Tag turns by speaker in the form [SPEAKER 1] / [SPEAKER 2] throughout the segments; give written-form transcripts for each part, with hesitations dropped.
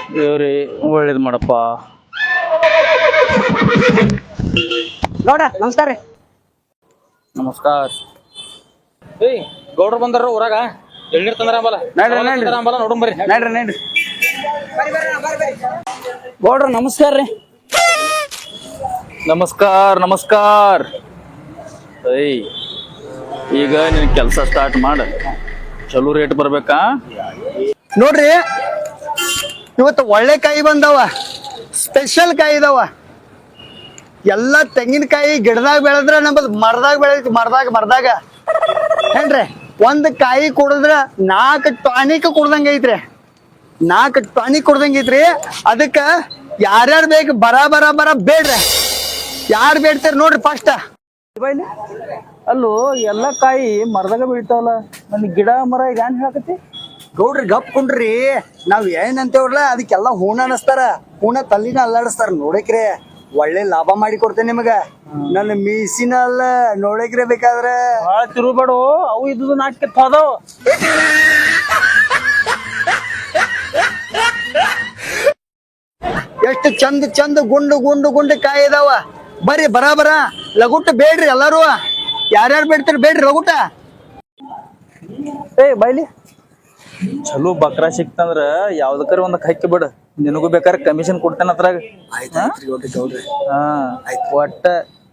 [SPEAKER 1] ದೇವ್ರಿ ಒಳ್ಳೇದು ಮಾಡಪ್ಪ.
[SPEAKER 2] ಗೌಡ ನಮಸ್ಕಾರ ರೀ.
[SPEAKER 1] ನಮಸ್ಕಾರ. ಏಯ್ ಗೌಡ್ರು ಬಂದಾರ ಊರಾಗ, ಎಳ್ನೀರ್ ತಂದ್ರ ಅಂಬಲ್ಲ. ನೋಡಂ ಬರ್ರಿ.
[SPEAKER 2] ನಡ್ರಿ ಗೌಡ್ರ ನಮಸ್ಕಾರ ರೀ.
[SPEAKER 1] ನಮಸ್ಕಾರ ನಮಸ್ಕಾರ. ಏಯ್ ಈಗ ನಿನ್ ಕೆಲಸ ಸ್ಟಾರ್ಟ್ ಮಾಡ. ಚಲೋ ರೇಟ್ ಬರ್ಬೇಕಾ?
[SPEAKER 3] ನೋಡ್ರಿ ಇವತ್ತು ಒಳ್ಳೆ ಕಾಯಿ ಬಂದವ, ಸ್ಪೆಷಲ್ ಕಾಯಿ ಇದಾವ. ಎಲ್ಲ ತೆಂಗಿನಕಾಯಿ ಗಿಡದಾಗ ಬೆಳೆದ್ರ ನಮ್ಮದು ಮರದಾಗ ಬೆಳೆದೈತಿ. ಮರದಾಗ ಏನ್ರಿ, ಒಂದು ಕಾಯಿ ಕುಡಿದ್ರ 4 ಟಾನಿಕ್ ಕುಡ್ದಂಗ ಐತ್ರಿ. 4 ಟಾನಿಕ್ ಕುಡ್ದಂಗ ಐತ್ರಿ. ಅದಕ್ಕ ಯಾರ್ಯಾರು ಬೇಕು ಬರ ಬೇಡ್ರಿ. ಯಾರು ಬೇಡ್ತಾರ ನೋಡ್ರಿ ಫಸ್ಟ್.
[SPEAKER 1] ಅಲ್ಲೋ ಎಲ್ಲ ಕಾಯಿ ಮರದಾಗ ಬೀಳ್ತಾವಲ್ಲ, ನನ್ ಗಿಡ ಮರ ಈಗ ಏನ್ ಹೇಳಕತ್ತಿ?
[SPEAKER 3] ಗೌಡ್ರಿ ಗಪ್ ಕುಂಡ್ರಿ. ನಾವ್ ಏನಂತೇವ್ರಲ್ಲ ಅದಕ್ಕೆಲ್ಲ ಹೂಣ ಅನಸ್ತಾರ. ಹೂಣ ತಲ್ಲಿನ ಅಲ್ಲಾಡಿಸ್ತಾರ. ನೋಡಕ್ರೆ ಒಳ್ಳೆ ಲಾಭ ಮಾಡಿ ಕೊಡ್ತೇನೆ ನಿಮಗ. ನನ್ನ ಮೀಸಿನ ಅಲ್ಲ, ನೋಡಕ್ರೆ ಬೇಕಾದ್ರ
[SPEAKER 1] ಭಾಳ ತಿರುಬೇಡು, ಅವು ಇದ್ದು ನಾಟಕ ಅದಾವ.
[SPEAKER 3] ಎಷ್ಟು ಚಂದ ಗುಂಡು ಕಾಯಿ ಇದಾವ. ಬರ್ರಿ ಬರ ಲಗುಟ ಬೇಡ್ರಿ ಎಲ್ಲಾರು. ಯಾರ್ಯಾರು ಬೇಡ್ತಾರ ಬೇಡ್ರಿ ಲಗುಟ.
[SPEAKER 1] ಏ ಬೈಲಿ, ಚಲೋ ಬಕ್ರಾ ಸಿಕ್ತಂದ್ರ ಯಾವ್ದಕ್ಕಾರ ಒಂದ್ ಹಕ್ಕಿ ಬಿಡು. ನಿನಗೂ ಬೇಕಾದ್ರೆ ಕಮಿಷನ್ ಕೊಡ್ತೇನೆ ಅದ್ರಾಗ. ಒಟ್ಟ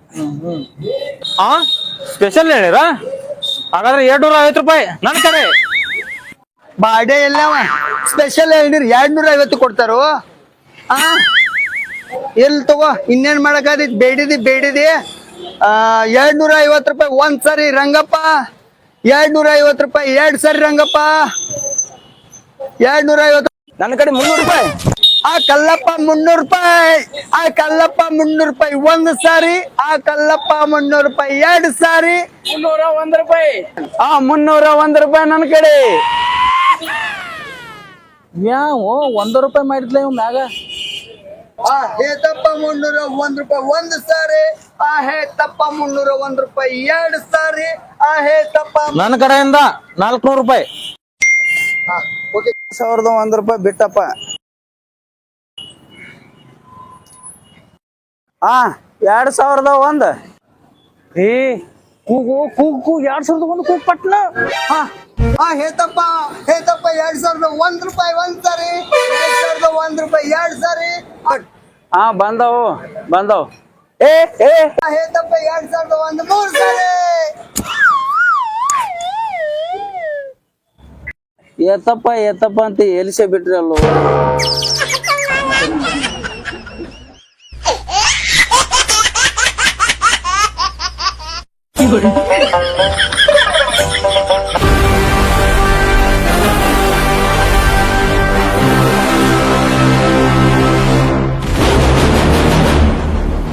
[SPEAKER 1] ಸ್ಪೆಷಲ್ ಹೇಳಿರ. ಹಾಗಾದ್ರೆ 250 ರೂಪಾಯಿ ನನ್ನ ಕಡೆ.
[SPEAKER 3] ಬಾಡೆ ಎಲ್ಲವ ಸ್ಪೆಷಲ್ ಹೇಳಿರಿ 250 ಕೊಡ್ತಾರೋ. ಎಲ್ಲಿ ತಗೋ, ಇನ್ನೇನ್ ಮಾಡಕಾದೈತಿ. ಬೇಡಿದಿ 250 ರೂಪಾಯಿ ಒಂದ್ ಸರಿ ರಂಗಪ್ಪ. 250 ರೂಪಾಯಿ 2 ಸರಿ ರಂಗಪ್ಪ. 250.
[SPEAKER 2] ನನ್ನ ಕಡೆ 300 ರೂಪಾಯಿ.
[SPEAKER 3] ಕಲ್ಲಪ್ಪ 300 ರೂಪಾಯಿ. ಕಲ್ಲಪ್ಪ 300 ರೂಪಾಯಿ ಒಂದ್ ಸಾರಿ. ಕಲ್ಲಪ್ಪ 300 ರೂಪಾಯಿ 2 ಸಾರಿ.
[SPEAKER 2] 301 ರೂಪಾಯಿ.
[SPEAKER 3] 301 ರೂಪಾಯಿ ನನ್ನ ಕಡೆ.
[SPEAKER 1] ಯಾವ 1 ರೂಪಾಯಿ ಮಾಡಿದ್ಲ ಇವ್ ಮ್ಯಾಗ.
[SPEAKER 3] ಹೇತಪ್ಪ 301 ರೂಪಾಯಿ ಒಂದ್ ಸಾರಿ. ಹೇತಪ್ಪ 301 ರೂಪಾಯಿ 2 ಸಾರಿ. ಹೇತಪ್ಪ
[SPEAKER 1] ನನ್ನ ಕಡೆಯಿಂದ 400 ರೂಪಾಯಿ.
[SPEAKER 3] 1001 ರೂಪಾಯಿ ಬಿಟ್ಟಪ್ಪ.
[SPEAKER 2] 2001.
[SPEAKER 1] ಏ ಕೂಗು 2001 ಕೂಗು ಪಟ್ನ.
[SPEAKER 3] ಹೇತಪ್ಪ 2001 ರೂಪಾಯಿ ಒಂದ್ ಸಾರಿ. 2001 ರೂಪಾಯಿ 2 ಸಾರಿ.
[SPEAKER 2] ಬಂದವು.
[SPEAKER 3] ಹೇತಪ್ಪ 2001 3 ಸಾರಿ.
[SPEAKER 2] ಏತಪ್ಪ ಅಂತ ಎಲಿಸೆ ಬಿಟ್ರಿ ಅಲ್ಲೋ.